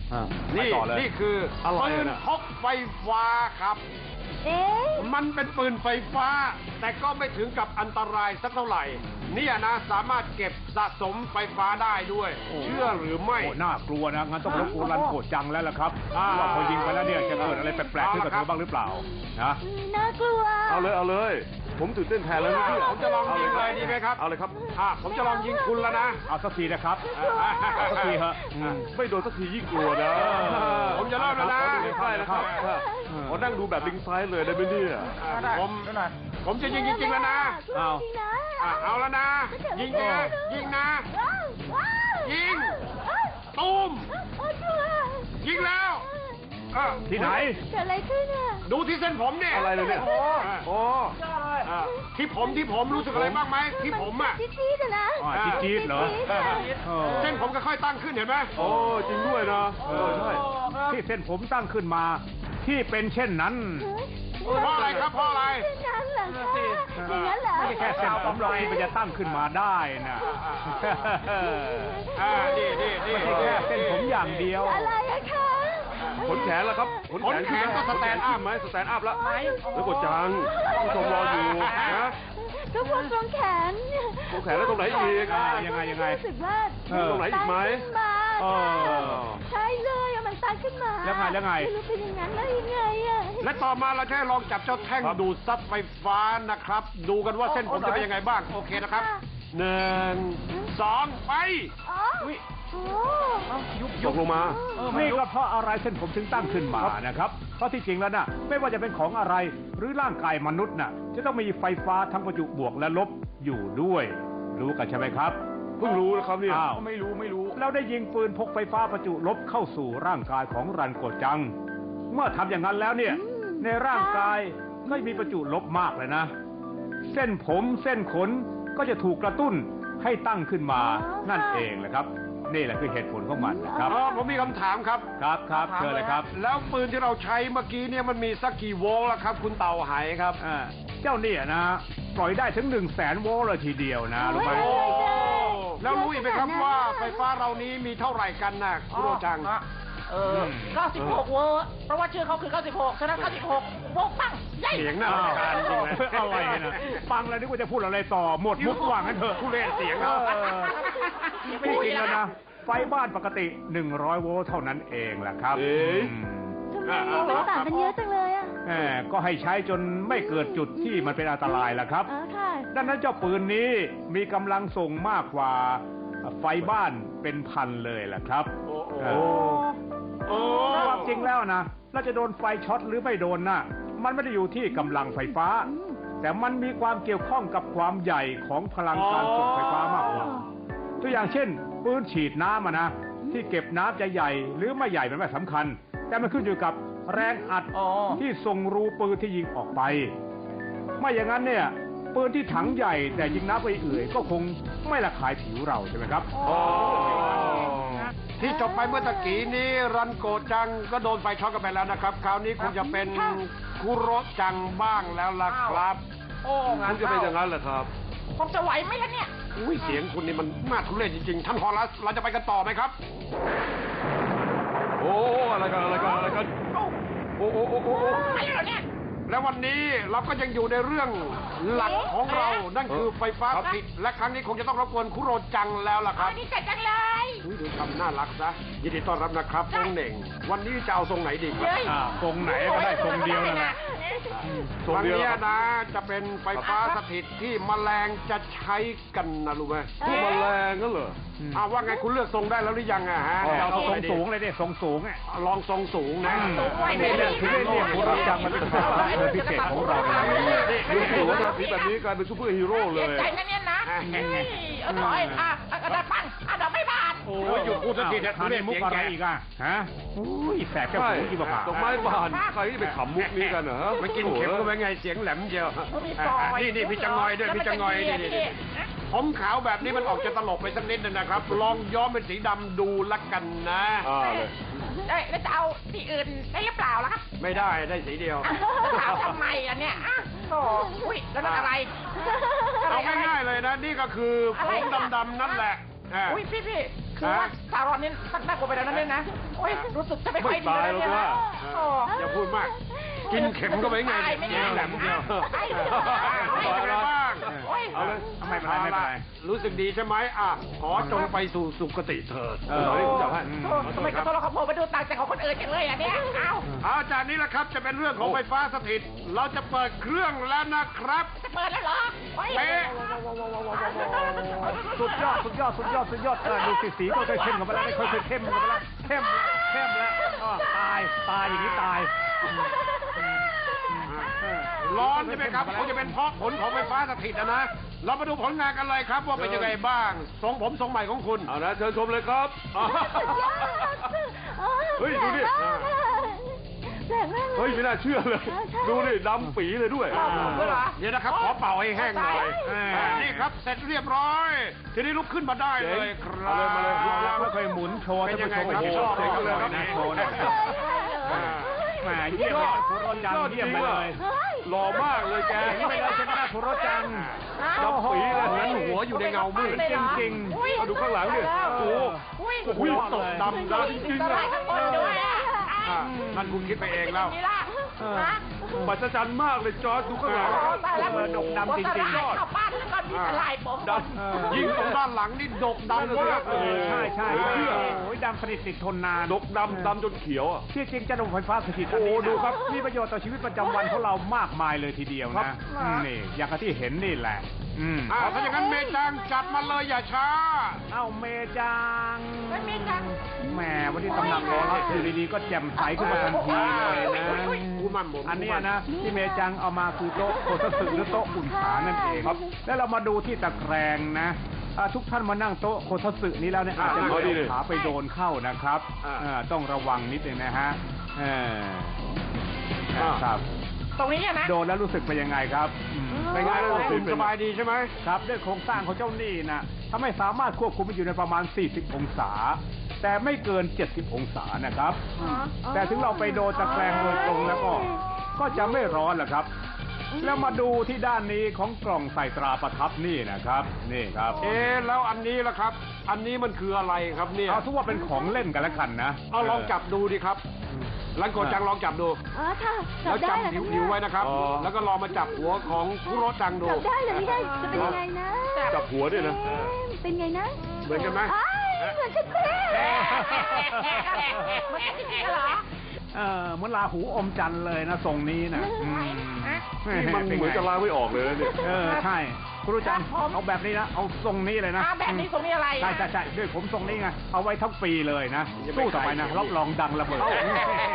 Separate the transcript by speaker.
Speaker 1: นี่คือปืนพกไฟฟ้าครับมันเป็นปืนไฟฟ้าแต่ก็ไม่ถึงกับอันตรายสักเท่าไหร่เนี่ยนะสามารถเก็บสะสมไฟฟ้าได้ด้วยเชื่อหรือไม่
Speaker 2: น่ากลัวนะงั้นต้องรบกวนรันโกจังแล้วล่ะครับว่าพอยิงไปแล้วเนี่ยจะเกิดอะไรแปลกๆขึ้นกับเธอบ้างหรือเปล่านะ
Speaker 3: น่ากลัว
Speaker 4: เอาเลยผมตื่นเต้นแทนแล้วนะพี่
Speaker 1: ผมจะลองยิงเลยดีไหมครับ
Speaker 4: เอาเลยครับ
Speaker 1: ผมจะลองยิงคุณแล้วนะ
Speaker 2: เอาสักทีนะครับสักทีฮะ
Speaker 4: ไม่โดนสักทียิ่งกลัวนะ
Speaker 1: ผมจะเริ่มแล้วนะ
Speaker 4: ได้แล้วครับขอนั่งดูแบบลิงซ้ายเลยได้ไหมเนี่ย
Speaker 1: ผมจะยิงจริงๆแล้วนะเอาแล้วนะยิงนะยิงตูมยิงแล้ว
Speaker 2: ที่ไหน
Speaker 3: เกิดอะไรขึ้นอ่ะ
Speaker 1: ดูที่เส้นผมเนี่ย
Speaker 4: อะไรเลยเนี่ย
Speaker 1: ที่ผมรู้สึกอะไรบ้างไหมที่ผมอ่ะ
Speaker 3: จี๊ดๆนะ
Speaker 2: จี๊ดเหรอ
Speaker 1: เส้นผมก็ค่อยตั้งขึ้นเห็นไหม
Speaker 4: โอ้จริงด้วยนะใช่
Speaker 2: ที่เส้นผมตั้งขึ้นมาที่เป็นเช่นนั้น
Speaker 1: เพราะอะไรครับเพราะอะไร
Speaker 3: อย่างนั้นเหรออย่างนั้นเหรอ
Speaker 2: ไม่แค่เส้นผมหรอกที่มันจะตั้งขึ้นมาได้นะ
Speaker 1: นี่
Speaker 2: ไม่ใช่แค่เส้นผมอย่างเดียว
Speaker 3: อะไรอะคะ
Speaker 4: ขนแขนแล้วครับ
Speaker 1: ขนแขนก็สแตนด์อัพไหม
Speaker 4: สแตนด์อัพแล้วแล้วกดจังผู้ชมรออยู่นะ
Speaker 3: ก็พวกตรงแขน
Speaker 4: แล้วตรงไหนอีก
Speaker 2: ยังไง
Speaker 3: รู้สึกว่า
Speaker 4: ตรงไหนอีกไหม
Speaker 3: ใช่เลยมันตั้งขึ้นมา
Speaker 2: แล้วไง
Speaker 3: ไม่รู้เป็นอย่างนั้นแล้วยังไงอะ
Speaker 1: และต่อมาเราจะลองจับเจ้าแท่งดูดซับไฟฟ้านะครับดูกันว่าเส้นผมจะเป็นยังไงบ้างโอเคนะครับ1 2ไป
Speaker 4: ยกลงมา
Speaker 2: นี่ก็เพราะอะไรเส้นผมถึงตั้งขึ้นมานะครับเพราะที่จริงแล้วน่ะไม่ว่าจะเป็นของอะไรหรือร่างกายมนุษย์น่ะจะต้องมีไฟฟ้าทั้งประจุบวกและลบอยู่ด้วยรู้กันใช่ไหมครับ
Speaker 4: เพิ่งรู้นะครับเนี่ย
Speaker 2: ไม่รู้แล้วได้ยิงปืนพกไฟฟ้าประจุลบเข้าสู่ร่างกายของรันโกจังเมื่อทำอย่างนั้นแล้วเนี่ยในร่างกายก็มีประจุลบมากเลยนะเส้นผมเส้นขนก็จะถูกกระตุ้นให้ตั้งขึ้นมานั่นเองแหละครับนี่แหละคือเหตุผลของมันนะครับ
Speaker 1: ผมมีคำถามครับ
Speaker 2: เชิญเลยครับ
Speaker 1: แล้วปืนที่เราใช้เมื่อกี้เนี่ยมันมีสักกี่โวลต์ล่ะครับคุณเต่าไหครับ
Speaker 2: เจ้าเนี่ยนะปล่อยได้ถึง100,000 โวลต์เลยทีเดียวนะรู้ไหม
Speaker 1: แล้วรู้อีกไหมครับว่าไฟฟ้าเรานี้มีเท่าไหร่กันนะคุณโรจัง
Speaker 5: 96 โวลต์เพราะว่าชื่อเขาคือ96ฉะนั้น96 โวลต์ปังใหญ่
Speaker 1: เสียงน่ารำคาญจริงเลย
Speaker 2: อะไรนะฟังแล้วนึกว่าจะพูดอะไรต่อหมดมุกว่างั้นเถอะ
Speaker 1: ผู้เล่นเสียงเขา
Speaker 2: ไม่จริงแล้วนะไฟบ้านปกติ100 โวลต์เท่านั้นเองแหละครับ
Speaker 3: ทำไมมันต่างกันเยอะจังเลยอ่ะ
Speaker 2: ก็ให้ใช้จนไม่เกิดจุดที่มันเป็นอันตรายล่ะครับดังนั้นเจ้าปืนนี้มีกำลังส่งมากกว่าไฟบ้านเป็นพันเลยล่ะครับความจริงแล้วนะเราจะโดนไฟช็อตหรือไม่โดนน่ะมันไม่ได้อยู่ที่กำลังไฟฟ้าแต่มันมีความเกี่ยวข้องกับความใหญ่ของพลังการส่งไฟฟ้ามากกว่าตัวอย่างเช่นปืนฉีดน้ำนะที่เก็บน้ำจะใหญ่หรือไม่ใหญ่มันไม่สำคัญแต่มันขึ้นอยู่กับแรงอัดที่ส่งรูปืนที่ยิงออกไปไม่อย่างนั้นเนี่ยปืนที่ถังใหญ่แต่ยิงน้ำไปเอื่อยก็คงไม่ระคายผิวเราใช่ไหมครับ
Speaker 1: ที่จบไปเมื่อตะกี้นี้รันโกจังก็โดนไฟช็อตกันไปแล้วนะครับคราวนี้คงจะเป็นคุโรจังบ้างแล้วล่ะครับ
Speaker 4: คุณจะเป็นอย่างนั้นเหรอครับ
Speaker 5: ผมจะไหวไหมล่ะเนี่ย
Speaker 1: เสียงคุณนี่มันน่าทุเรศจริงๆท่านฮอลัสเราจะไปกันต่อไหมครับ
Speaker 4: อะไรกันโอ้
Speaker 5: ไม่เหรอเนี่ย
Speaker 1: และวันนี้เราก็ยังอยู่ในเรื่องหลักของเรานั่นคือไฟฟ้าสถิตและครั้งนี้คงจะต้องรบกวนคุโรจังแล้วล่ะครับ
Speaker 5: นี่เสร็จจังเลย
Speaker 1: ดูทำน่ารักซะยินดีต้อนรับนะครับทรงเหน่งวันนี้จะเอาทรงไหนดีครับ
Speaker 2: ทรงไหนก็ได้ทรงเดียวนั่นแหละ
Speaker 1: ตรงนี้นะจะเป็นไฟฟ้าสถิตที่แมลงจะใช้กันนะรู้ไหม
Speaker 4: ที่แมลงก็เหรอ
Speaker 1: ว่าไงคุณเลือกทรงได้แล้วหรือยังฮะ
Speaker 2: เอาทรงสูงเลยดิทรงสูง
Speaker 1: ลองทรงสูงนะ
Speaker 2: นี่เรื่องที่เรียกคุโรจังมันเป็นความพิเศษของเรา
Speaker 4: ดูสิว่าราศีแบบนี้กลายเป็นซูเปอร์ฮีโร่เลย
Speaker 5: ใจนั่นเนี่ยนะได้ปังเราไม่ผ่าน
Speaker 1: อยู่พูดสักทีนะ
Speaker 2: เล่นมุกอะไรอีกฮะแสบแก้วหูกี่บาท
Speaker 4: ดอกไม้บานใครที่ไปขำมุกนี้กันเหรอ
Speaker 1: ไม่กินเข็มก็เป็นไงเสียงแหลมเดียวนี่พี่จังงอยด้วยพี่จังงอยนี่ผมขาวแบบนี้มันออกจะตลกไปสักนิดนึงนะครับลองย้อมเป็นสีดำดูละกันนะ
Speaker 5: แล้วจะเอาสีอื่นได้หรือเปล่าล่ะครับ
Speaker 1: ไม่ได้สีเดียว
Speaker 5: ถามทำไมอ่ะเนี่ยโอ้ยแล้วนั่นอะไร
Speaker 1: เอาง่ายๆเลยนะนี่ก็คือผมดำๆนั่นแหละ
Speaker 5: อุ้ยพี่คือว่าซารอนนี่น่ากลัวไปแล้วนั่นเองนะโอ้ยรู้สึกจะไม่ค่อยดีเลยเนี่ยนะโอ้
Speaker 1: อย่าพูดมาก กินเข็มก็ไปไง
Speaker 5: ไม่
Speaker 1: เนี่ย
Speaker 5: ได้
Speaker 1: แหลมเดียว
Speaker 5: ไม่ได้
Speaker 1: เป็นไงบ้าง
Speaker 5: โอ้ย
Speaker 2: เอาเลยไม่เป็นไรไม่เป็นไร
Speaker 1: รู้สึกดีใช่ไหมอ่ะขอจงไปสู่สุคติเถิด
Speaker 2: เออ
Speaker 4: เอาดิคุณจับให้
Speaker 5: ทำไมกระโดดเราขโมยไปดูต่างจากของคนอื่นจังเลยอ่ะเนี่ยเอ้า
Speaker 1: เอาจากนี้แหละครับจะเป็นเรื่องของไฟฟ้าสถิต เราจะเปิดเครื่องแล้วนะครับ
Speaker 5: จะเปิดแล้วเหรอโอ้ย
Speaker 1: เป๊ะ
Speaker 2: สุดยอดสุดยอดสุดยอดสุดยอดดูสีก็ค่อยเข้มกันไปแล้วค่อยเข้มกันไปแล้วเข้มแล้วตายอย่างนี้ตาย
Speaker 1: ร้อนใช่ไหมครับคงจะเป็นเพราะผลของไฟฟ้าสถิตนะ เรามาดูผลงานกันเลยครับว่าเป็นยังไงบ้างทรงผมทรงใหม่ของคุณ
Speaker 4: เอานะเชิญชมเลยครับ เฮ้ยดูดิ
Speaker 3: แรงมากเลย
Speaker 4: เฮ้ยไม่น่าเชื่อเลย ดูดิดำปีเลยด้วย
Speaker 1: เดี๋ยวนะครับขอเป่าให้แห้งหน่อยนี่ครับเสร็จเรียบร้อย ทีนี้ลุกขึ้นมาได้เลยครับ
Speaker 4: เอาเลยมาเลย
Speaker 2: แล้วค่อยหมุนโชว์ท่านผู้ชม
Speaker 1: เป็นยังไงครับ
Speaker 2: โชว์เลยนะโชว์นะแหมเยี่ยมเลยคุณรถจังเยี่ยมไปเลย
Speaker 4: หล่อมากเลยแก
Speaker 2: อย่างนี้ไปเลยใช่ไหมล่ะคุณรถจัง
Speaker 4: ดำปีเลย
Speaker 1: เหมือนหัวอยู่ในเงามืด
Speaker 2: จริง
Speaker 4: เอาดูข้างหลังดิโอ้โห
Speaker 5: อุ้ย
Speaker 1: อุ้ยตกดำนะจริงๆ
Speaker 5: ส
Speaker 1: นะ
Speaker 5: ลายข้างบนด้วยอ่ะ
Speaker 1: นั่นคุณคิดไปเองแล้ว
Speaker 5: นี่ล่ะฮะ
Speaker 4: ปัจจันมากเลยจอร์จดูข้างหลัง
Speaker 5: โอ้ตายแล้ว
Speaker 2: ดกดำจริงๆ
Speaker 5: ยอดเข้าบ้านแล้วก็มีสลายผม
Speaker 4: ด
Speaker 1: ยิ่งตรงด้านหลังนี่ดกดำมากเลย
Speaker 2: ใช่โอ้ยดำสนิทติดทนนาน
Speaker 4: ดกดำจนเขียวอ่ะ
Speaker 2: ที่จริงจะดมไฟฟ้าสถิตอันนี้
Speaker 4: โอ้ดูครับ
Speaker 2: มีประโยชน์ต่อชีวิตประจำวันของเรามากมายเลยทีเดียว
Speaker 1: ครั
Speaker 2: นะ
Speaker 1: บ
Speaker 2: นี่อย่างที่เห็นนี่แหละ
Speaker 1: ถ้าอย่างนั้นเมจังจัดมาเลยอย่าช้า
Speaker 2: เอ้าเมจัง
Speaker 5: ไม่มีจัง
Speaker 2: แหมวันนี้ตำหนักรอรับอยู่ดีๆก็แจ่มใสขึ้นมาทันทีเลยนะ
Speaker 1: กูมันผม
Speaker 2: อันเนี้ยนะที่เมจังเอามาคือโต๊ะโคตสึหรือโต๊ะอุ่นขานั่นเองครับ แล้วเรามาดูที่ตะแกรงนะทุกท่านมานั่งโต๊ะโคตสึนี้แล้วเนี่ยอาจจะเอาขาไปโดนเข้านะครับต้องระวังนิดนึงนะฮะครับ
Speaker 5: ตรงนี้นะ
Speaker 2: โดนแล้วรู้สึกเป็นยังไงครับ
Speaker 1: เป็นไงล่ะคุณสบายดีใช่ไหม
Speaker 2: ครับด้วยโครงสร้างของเจ้านี่นะทำให้สามารถควบคุมอยู่ในประมาณ 40 องศา แต่ไม่เกิน 70 องศานะครับแต่ถึงเราไปโดนตะแกรงโดยตรงแล้วก็จะไม่ร้อนแหละครับ แล้วมาดูที่ด้านนี้ของกล่องใส่ตราประทับนี่นะครับนี่ครับ
Speaker 1: แล้วอันนี้ล่ะครับ อันนี้มันคืออะไรครับเนี่ย
Speaker 2: เอาทุกว่าเป็นของเล่นกันแล้วกันนะ
Speaker 1: เอาลองจับดูดิครับลันโกจังลองจับดู
Speaker 3: อ๋อค่ะ
Speaker 1: แล้ว
Speaker 3: ได้
Speaker 1: จับ
Speaker 3: เหรอ
Speaker 1: นิ้วไว้นะครับ แล้วก็ลองมาจับหัวของคุโรจังดู
Speaker 3: จับได้เหรือไม่ได้จะเป็นยังไงนะ
Speaker 4: จับหัวด้วยนะ
Speaker 3: เป็นไงนะ
Speaker 1: เหมือนกันไหม
Speaker 3: อ้ายเหมือนกันเป๊ะ
Speaker 5: มันจะจริงเหรอ
Speaker 2: เหมือนลาหูอมจันทร์เลยนะทรงนี้นะ
Speaker 4: นี่มันเหมือนจะล้างไม่ออกเลยนะเนี่ย
Speaker 2: ใช่คุณรู้จังเอาแบบนี้นะเอาทรงนี้เลยนะ
Speaker 5: แบบนี้ตรงนี้อะไร
Speaker 2: ใช่ด้วยผมทรงนี้ไงเอาไว้ทั้งปีเลยนะสู้ต่อไปนะรับรองดังระเบิด